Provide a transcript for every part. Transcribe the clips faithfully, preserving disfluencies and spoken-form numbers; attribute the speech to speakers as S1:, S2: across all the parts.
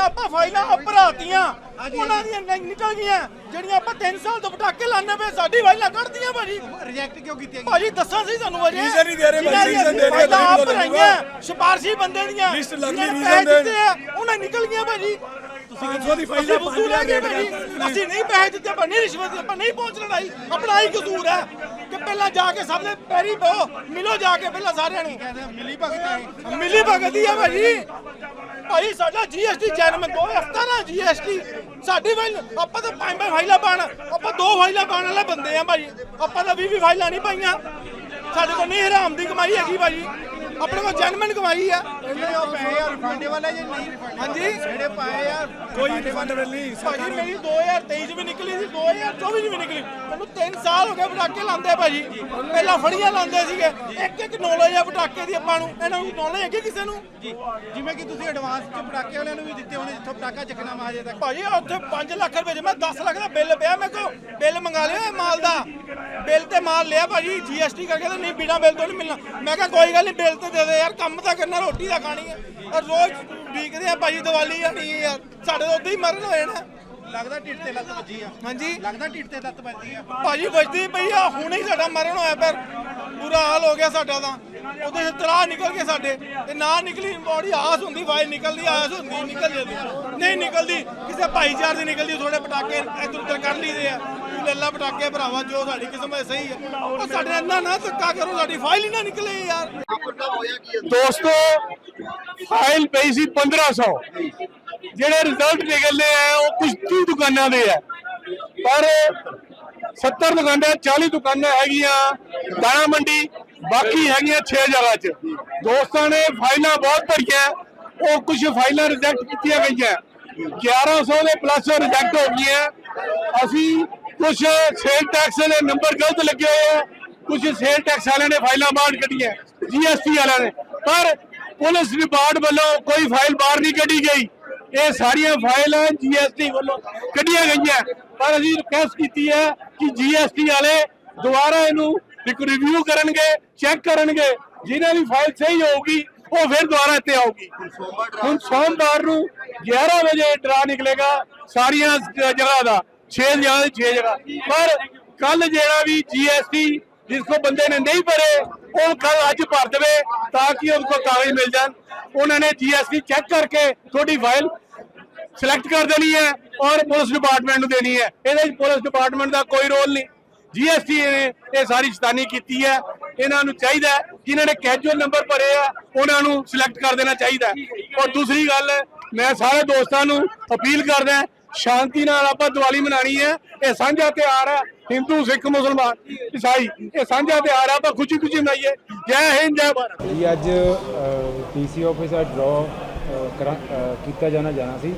S1: ਆਪਾਂ ਫਾਈਲਾਂ ਭਰਾਤੀਆਂ ਉਹਨਾਂ ਦੀਆਂ ਨਿਕਲ ਗਈਆਂ ਜਿਹੜੀਆਂ ਆਪਾਂ ਤਿੰਨ ਸਾਲ ਤੋਂ ਪਟਾਕੇ ਲਾਣੇ ਪਏ ਸਾਡੀ ਫਾਈਲਾਂ ਕੱਢਦੀਆਂ ਭਾਜੀ
S2: ਰਿਜੈਕਟ ਕਿਉਂ ਕੀਤੀਆਂ
S1: ਭਾਜੀ ਦੱਸਾਂ ਸੀ ਤੁਹਾਨੂੰ ਅਜੇ
S3: ਰੀਜ਼ਨ ਨਹੀਂ ਦੇ ਰਹੇ ਭਾਜੀ ਰੀਜ਼ਨ ਦੇ ਰਹੇ
S1: ਆਪ ਭਰਾਈਆਂ ਸਿਫਾਰਸ਼ੀ ਬੰਦੇ ਦੀਆਂ
S3: ਲਿਸਟ ਲੱਗ ਗਈ
S1: ਰੀਜ਼ਨ ਦੇ ਉਹਨਾਂ ਨਿਕਲ ਗਈਆਂ ਭਾਜੀ
S3: ਤੁਸੀਂ ਕਿਥੋਂ ਦੀ ਫਾਈਲਾਂ
S1: ਕਸੂਰ ਹੈ ਕਿ ਭਾਜੀ ਅਸੀਂ ਨਹੀਂ ਪੈਸੇ ਦਿੱਤੇ ਆਪਾਂ ਨਹੀਂ ਰਿਸ਼ਵਤ ਆਪਾਂ ਨਹੀਂ ਪਹੁੰਚ ਲੜਾਈ ਆਪਣਾ ਹੀ ਕਸੂਰ ਹੈ ਕਿ ਪਹਿਲਾਂ ਜਾ ਕੇ ਸਭ ਦੇ ਪੈਰੀ ਪਓ ਮਿਲੋ ਜਾ ਕੇ ਪਹਿਲਾਂ ਸਾਰਿਆਂ ਨੂੰ
S2: ਮਿਲੀ ਭਗਤ ਹੈ
S1: ਮਿਲੀ ਭਗਤੀ ਆ ਭਾਜੀ ਭਾਈ ਸਾਡਾ ਜੀਐਸਟੀ ਜਨਮ ਦੋ ਹਜ਼ਾਰ ਸਤਾਰਾਂ ਜੀਐਸਟੀ ਸਾਡੀ ਫਾਈਲ ਆਪਾਂ ਤਾਂ ਪੰਜ ਪੰਜ ਫਾਈਲਾਂ ਪਾਣ ਆਪਾਂ ਦੋ ਫਾਈਲਾਂ ਪਾਣ ਵਾਲੇ ਬੰਦੇ ਆ ਭਾਜੀ ਆਪਾਂ ਤਾਂ ਵੀਹ ਵੀਹ ਫਾਈਲਾਂ ਨਹੀਂ ਪਾਈਆਂ ਸਾਡੇ ਕੋਲ ਨਹੀਂ ਹਰਾਮ ਦੀ ਕਮਾਈ ਹੈਗੀ ਭਾਜੀ ਆਪਣੇ ਕੋਲ ਜਨਮਨ ਕਮਾਈ ਆ
S2: ਜਿਹੜੇ ਉਹ ਪੈਸੇ ਆ ਰਿਫੰਡ ਵਾਲੇ ਜਾਂ ਨਹੀਂ ਰਿਫੰਡ
S1: ਹਾਂਜੀ
S2: ਜਿਹੜੇ ਪਾਏ ਆ
S3: ਕੋਈ ਰਿਫੰਡ ਨਹੀਂ
S1: ਭਾਜੀ ਮੇਰੀ ਦੋ ਹਜ਼ਾਰ ਤੇਈ ਚ ਵੀ ਨਿਕਲੀ ਸੀ ਦੋ ਹਜ਼ਾਰ ਚੌਵੀ ਚ ਵੀ ਨਿਕਲੀ ਮੈਨੂੰ ਤਿੰਨ ਸਾਲ ਹੋ ਗਏ ਪਟਾਕੇ ਲਾਉਂਦੇ ਭਾਜੀ ਪਹਿਲਾਂ ਫੜੀਆਂ ਲਾਉਂਦੇ ਸੀਗੇ ਇੱਕ ਇੱਕ ਨੌਲੇਜ ਆ ਪਟਾਕੇ ਦੀ ਆਪਾਂ ਨੂੰ ਇਹਨਾਂ ਨੂੰ ਨੌਲੇਜ ਹੈਗੀ ਕਿਸੇ ਨੂੰ
S2: ਜੀ ਜਿਵੇਂ ਕਿ ਤੁਸੀਂ ਐਡਵਾਂਸ ਚ ਪਟਾਕੇ ਵਾਲਿਆਂ ਨੂੰ ਵੀ ਦਿੱਤੇ ਹੋਣੇ ਜਿੱਥੋਂ ਪਟਾਕਾ ਚੱਕਣਾ ਵਾ ਹਜੇ ਤੱਕ
S1: ਭਾਜੀ ਉੱਥੇ ਪੰਜ ਲੱਖ ਰੁਪਏ ਚ ਮੈਂ ਦਸ ਲੱਖ ਦਾ ਬਿੱਲ ਪਿਆ ਮੇਰੇ ਕੋਲ ਬਿੱਲ ਮੰਗਾ ਲਿਆ ਮਾਲ ਦਾ ਬਿੱਲ ਤੇ ਮਾਲ ਲਿਆ ਭਾਜੀ ਜੀਐਸਟੀ ਕਰਕੇ ਤਾਂ ਨਹੀਂ ਬਿਨਾਂ ਬਿੱਲ ਤੋਂ ਨਹੀਂ ਮਿਲਣਾ ਮੈਂ ਕਿਹਾ ਕੋਈ ਗੱਲ ਨਹੀਂ ਬਿੱਲ ਤੇ ਦੇ ਦੇ ਯਾਰ ਕੰਮ ਤਾਂ ਕਰਨਾ ਰੋਟੀ ਤਾਂ ਖਾਣੀ ਹੈ ਔਰ ਰੋਜ਼ ਵੀਕਦੇ ਆ ਭਾਜੀ ਦੀਵਾਲੀ ਆਣੀ ਹੈ ਯਾਰ ਸਾਡੇ ਤੋਂ ਉਦਾਂ ਹੀ ਮਰਨ ਹੋਏ ਨਾ
S2: ਲੱਗਦਾ ਢਿੱਡ ਤੇ ਲੱਤ ਵੱਜੀ ਆ
S1: ਹਾਂਜੀ
S2: ਲੱਗਦਾ ਢਿੱਡ ਤੇ ਲੱਤ ਵੱਜੀ ਆ
S1: ਭਾਜੀ ਵੱਜਦੀ ਪਈ ਆ ਹੁਣੇ ਹੀ ਸਾਡਾ ਮਰਨ ਹੋਇਆ ਪਰ ਬੁਰਾ ਹਾਲ ਹੋ ਗਿਆ ਸਾਡਾ ਤਾਂ ਉਹਦੇ ਤਰਾ ਨਿਕਲ ਕੇ ਸਾਡੇ ਤੇ ਨਾ ਨਿਕਲੀ ਬੋਡੀ ਆਸ ਹੁੰਦੀ ਵਾਈ ਨਿਕਲਦੀ ਆਸ ਹੁੰਦੀ ਨਿਕਲ ਜਾਂਦੀ ਨਹੀਂ ਨਿਕਲਦੀ ਕਿਸੇ ਭਾਈਚਾਰ ਦੀ ਨਿਕਲਦੀ ਥੋੜੇ ਪਟਾਕੇ ਇੱਧਰ ਉੱਧਰ ਕਰ ਲਈਦੇ ਆ ਤੂੰ ਲੱਲਾ ਪਟਾਕੇ ਭਰਾਵਾ ਜੋ ਸਾਡੀ ਕਿਸਮਤ ਸਹੀ ਹੈ ਉਹ ਸਾਡੇ ਇੰਨਾ ਨਾ ਧੱਕਾ ਕਰੋ ਸਾਡੀ ਫਾਈਲ ਹੀ ਨਾ ਨਿਕਲੇ ਯਾਰ
S4: ਦੋਸਤੋ ਫਾਈਲ ਪਈ ਸੀ ਪੰਦਰਾਂ ਸੌ ਜਿਹੜੇ ਰਿਜ਼ਲਟ ਨਿਕਲਨੇ ਆ ਉਹ ਕੁਝ ਤੀਹ ਦੁਕਾਨਾਂ ਦੇ ਆ ਪਰ ਸੱਤਰ ਦੁਕਾਨਾਂ ਚਾਲੀ ਦੁਕਾਨਾਂ ਹੈਗੀਆਂ ਦਾਣਾ ਮੰਡੀ ਬਾਕੀ ਹੈਗੀਆਂ ਛੇ ਜਗ੍ਹਾ 'ਚ ਦੋਸਤਾਂ ਨੇ ਫਾਈਲਾਂ ਬਹੁਤ ਭਰੀਆਂ ਉਹ ਕੁਝ ਫਾਈਲਾਂ ਰਿਜੈਕਟ ਕੀਤੀਆਂ ਗਈਆਂ ਗਿਆਰਾਂ ਸੌ ਦੇ ਪਲੱਸ ਰਿਜੈਕਟ ਹੋ ਗਈਆਂ ਅਸੀਂ ਕੁਝ ਸੇਲ ਟੈਕਸ ਦੇ ਨੰਬਰ ਗਲਤ ਲੱਗੇ ਹੋਏ ਆ ਕੁਝ ਸੇਲ ਟੈਕਸ ਵਾਲਿਆਂ ਨੇ ਫਾਈਲਾਂ ਬਾਹਰ ਕੱਢੀਆਂ ਜੀਐਸਟੀ ਵਾਲਿਆਂ ਨੇ ਪਰ ਪੁਲਿਸ ਡਿਪਾਰਟਮੈਂਟ ਵੱਲੋਂ ਕੋਈ ਫਾਈਲ ਬਾਹਰ ਨਹੀਂ ਕੱਢੀ ਗਈ ਇਹ ਸਾਰੀਆਂ ਫਾਈਲਾਂ ਜੀਐਸਟੀ ਵੱਲੋਂ ਕੱਢੀਆਂ ਗਈਆਂ ਪਰ ਅਸੀਂ ਰਿਕੁਐਸਟ ਕੀਤੀ ਹੈ ਕਿ ਜੀਐਸਟੀ ਵਾਲੇ ਦੁਬਾਰਾ ਇਹਨੂੰ ਇੱਕ ਰਿਵਿਊ ਕਰਨਗੇ ਚੈੱਕ ਕਰਨਗੇ ਜਿਨ੍ਹਾਂ ਦੀ ਫਾਈਲ ਸਹੀ ਹੋਊਗੀ ਉਹ ਫਿਰ ਦੁਬਾਰਾ ਇੱਥੇ ਆਊਗੀ ਹੁਣ ਸੋਮਵਾਰ ਨੂੰ ਗਿਆਰਾਂ ਵਜੇ ਡਰਾ ਨਿਕਲੇਗਾ ਸਾਰੀਆਂ ਜਗ੍ਹਾ ਦਾ ਛੇ ਜਗ੍ਹਾ ਦੀ ਛੇ ਜਗ੍ਹਾ ਪਰ ਕੱਲ ਜਿਹੜਾ ਵੀ ਜੀਐਸਟੀ ਜਿਸ ਕੋ ਬੰਦੇ ਨੇ ਨਹੀਂ ਭਰੇ ਉਹ ਕੱਲ ਅੱਜ ਭਰ ਦੇਵੇ ਤਾਂ ਕਿ ਉਹਨਾਂ ਕੋ ਕਾਗਜ਼ ਮਿਲ ਜਾਣ ਉਹਨਾਂ ਨੇ ਜੀਐਸਟੀ ਚੈੱਕ ਕਰਕੇ ਤੁਹਾਡੀ ਫਾਈਲ ਸਿਲੈਕਟ ਕਰ ਦੇਣੀ ਹੈ ਔਰ ਪੁਲਿਸ ਡਿਪਾਰਟਮੈਂਟ ਨੂੰ ਦੇਣੀ ਹੈ ਇਹਦੇ ਵਿੱਚ ਪੁਲਿਸ ਡਿਪਾਰਟਮੈਂਟ ਦਾ ਕੋਈ ਰੋਲ ਨਹੀਂ ਜੀਐਸਟੀ ਨੇ ਇਹ ਸਾਰੀ ਸ਼ੈਤਾਨੀ ਕੀਤੀ ਹੈ ਇਹਨਾਂ ਨੂੰ ਚਾਹੀਦਾ ਜਿਨ੍ਹਾਂ ਨੇ ਕੈਜੂਅਲ ਨੰਬਰ ਭਰੇ ਆ ਉਹਨਾਂ ਨੂੰ ਸਿਲੈਕਟ ਕਰ ਦੇਣਾ ਚਾਹੀਦਾ ਔਰ ਦੂਸਰੀ ਗੱਲ ਮੈਂ ਸਾਰੇ ਦੋਸਤਾਂ ਨੂੰ ਅਪੀਲ ਕਰਦਾ ਸ਼ਾਂਤੀ ਨਾਲ ਆਪਾਂ ਦੀਵਾਲੀ ਮਨਾਣੀ ਹੈ ਇਹ ਸਾਂਝਾ ਤਿਉਹਾਰ ਹੈ ਹਿੰਦੂ ਸਿੱਖ ਮੁਸਲਮਾਨ ਈਸਾਈ ਇਹ ਸਾਂਝਾ ਤਿਉਹਾਰ ਹੈ ਆਪਾਂ ਖੁਸ਼ੀ ਖੁਸ਼ੀ ਮਨਾਈਏ ਜੈ ਹਿੰਦ ਜੈ ਭਾਰਤ
S5: ਜੀ ਅੱਜ ਡੀਸੀ ਆਫਿਸ ਦਾ ਡਰਾ ਕੀਤਾ ਜਾਣਾ ਜਾਣਾ ਸੀ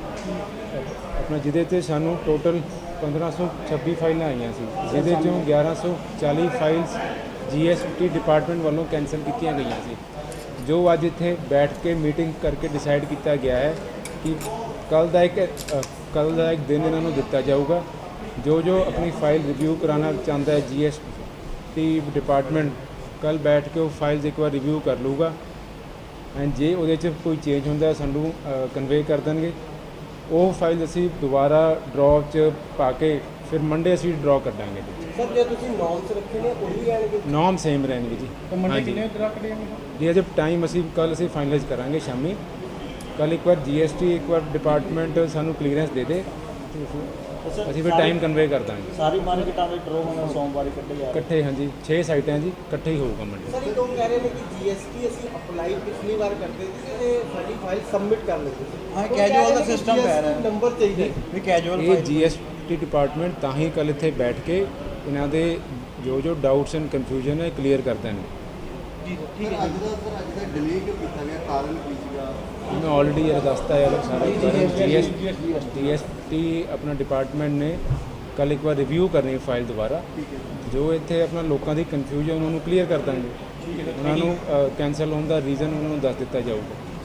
S5: ਆਪਣਾ ਜਿਹਦੇ ਤੇ ਸਾਨੂੰ ਟੋਟਲ ਪੰਦਰਾਂ ਸੌ ਛੱਬੀ ਫਾਈਲਾਂ ਆਈਆਂ ਸੀ ਜਿਹਦੇ ਚੋਂ ਗਿਆਰਾਂ ਸੌ ਚਾਲੀ ਫਾਈਲਸ ਜੀਐਸਟੀ ਡਿਪਾਰਟਮੈਂਟ ਵੱਲੋਂ ਕੈਂਸਲ ਕੀਤੀਆਂ ਗਈਆਂ ਸੀ ਜੋ ਅੱਜ ਇੱਥੇ ਬੈਠ ਕੇ ਮੀਟਿੰਗ ਕਰਕੇ ਡਿਸਾਈਡ ਕੀਤਾ ਗਿਆ ਹੈ ਕਿ ਕੱਲ ਦਾ ਇੱਕ ਕੱਲ ਦਾ ਇੱਕ ਦਿਨ ਇਹਨਾਂ ਨੂੰ ਦਿੱਤਾ ਜਾਊਗਾ ਜੋ ਜੋ ਆਪਣੀ ਫਾਈਲ ਰਿਵਿਊ ਕਰਾਉਣਾ ਚਾਹੁੰਦਾ ਹੈ ਜੀਐਸਟੀ ਡਿਪਾਰਟਮੈਂਟ ਕੱਲ ਬੈਠ ਕੇ ਉਹ ਫਾਈਲਸ ਇੱਕ ਵਾਰ ਰਿਵਿਊ ਕਰ ਲੂਗਾ ਐਂਡ ਜੇ ਉਹਦੇ 'ਚ ਕੋਈ ਚੇਂਜ ਹੁੰਦਾ ਸਾਨੂੰ ਕਨਵੇ ਕਰ ਦੇਣਗੇ ਉਹ ਫਾਈਲ ਅਸੀਂ ਦੁਬਾਰਾ ਡਰਾਅ 'ਚ ਪਾ ਕੇ ਫਿਰ ਮੰਡੇ ਅਸੀਂ ਡਰਾਅ ਕਰ ਦਾਂਗੇ ਜੀ
S6: ਸਰ ਜੇ ਤੁਸੀਂ ਨੌਰਮਸ ਰੱਖੇ ਨੇ ਉਹ ਵੀ ਰਹਿਣਗੇ
S5: ਨੌਮ ਸੇਮ ਰਹਿਣਗੇ ਜੀ
S6: ਤਾਂ ਮੰਡੇ ਕਿੰਨੇ ਰੱਖ ਦੇਣਗੇ
S5: ਜੀ ਅਜੇ ਟਾਈਮ ਅਸੀਂ ਕੱਲ ਅਸੀਂ ਫਾਈਨਲਾਈਜ਼ ਕਰਾਂਗੇ ਸ਼ਾਮੀ ਕੱਲ ਇੱਕ ਵਾਰ ਜੀਐਸਟੀ ਇੱਕ ਵਾਰ ਡਿਪਾਰਟਮੈਂਟ ਸਾਨੂੰ ਕਲੀਅਰੈਂਸ ਦੇ ਦੇ ਅਸੀਂ ਫਿਰ ਟਾਈਮ ਕਨਵੇ ਕਰ ਦਾਂਗੇ
S6: ਸਾਰੀ ਮਾਰਕੀਟਾਂ ਦੇ ਡਰੋ ਹੋਣਾ ਸੋਮਵਾਰ ਇਕੱਠੇ ਜਾ
S5: ਇਕੱਠੇ ਹਾਂਜੀ ਛੇ ਸਾਈਟਾਂ ਜੀ ਇਕੱਠੇ ਹੀ ਹੋਊਗਾ ਮੰਡੇ
S6: ਸਰ ਇਹ ਲੋਕ ਕਹਿ ਰਹੇ ਨੇ ਕਿ ਜੀਐਸਟੀ ਅਸੀਂ ਅਪਲਾਈ ਪਿਛਲੀ ਵਾਰ ਕਰਦੇ ਸੀ ਤੇ ਸਾਡੀ ਫਾਈਲ ਸਬਮਿਟ ਕਰ ਲੈਂਦੇ ਸੀ ਹਾਂ ਕੈਜੂਅਲ ਦਾ ਸਿਸਟਮ ਪੈ ਰਿਹਾ ਨੰਬਰ ਚਾਹੀਦਾ ਵੀ ਕੈਜੂਅਲ
S5: ਇਹ ਜੀਐਸਟੀ ਡਿਪਾਰਟਮੈਂਟ ਤਾਂ ਹੀ ਕੱਲ ਇੱਥੇ ਬੈਠ ਕੇ ਇਹਨਾਂ ਦੇ ਜੋ ਜੋ ਡਾਊਟਸ ਐਂਡ ਕਨਫਿਊਜ਼ਨ ਹੈ ਕਲੀਅਰ ਕਰ ਦੇਣਗੇ
S6: ਜੀ ਠੀਕ ਹੈ ਅੱਜ ਦਾ ਸਰ ਅੱਜ ਦਾ ਡਿਲੇ ਕਿਉਂ ਕੀਤਾ ਗਿਆ ਕਾਰਨ ਕੀ ਸੀਗਾ
S5: मैं ऑलरेडी ये दसता है सारा जीएसटी अपना डिपार्टमेंट ने कल एक बार रिव्यू करनी फाइल दोबारा जो इतने अपना लोगों की कन्फ्यूजन उन्होंने क्लीयर कर देंगे उन्होंने कैंसल होने का रीजन उन्होंने दस दिता जाऊगा।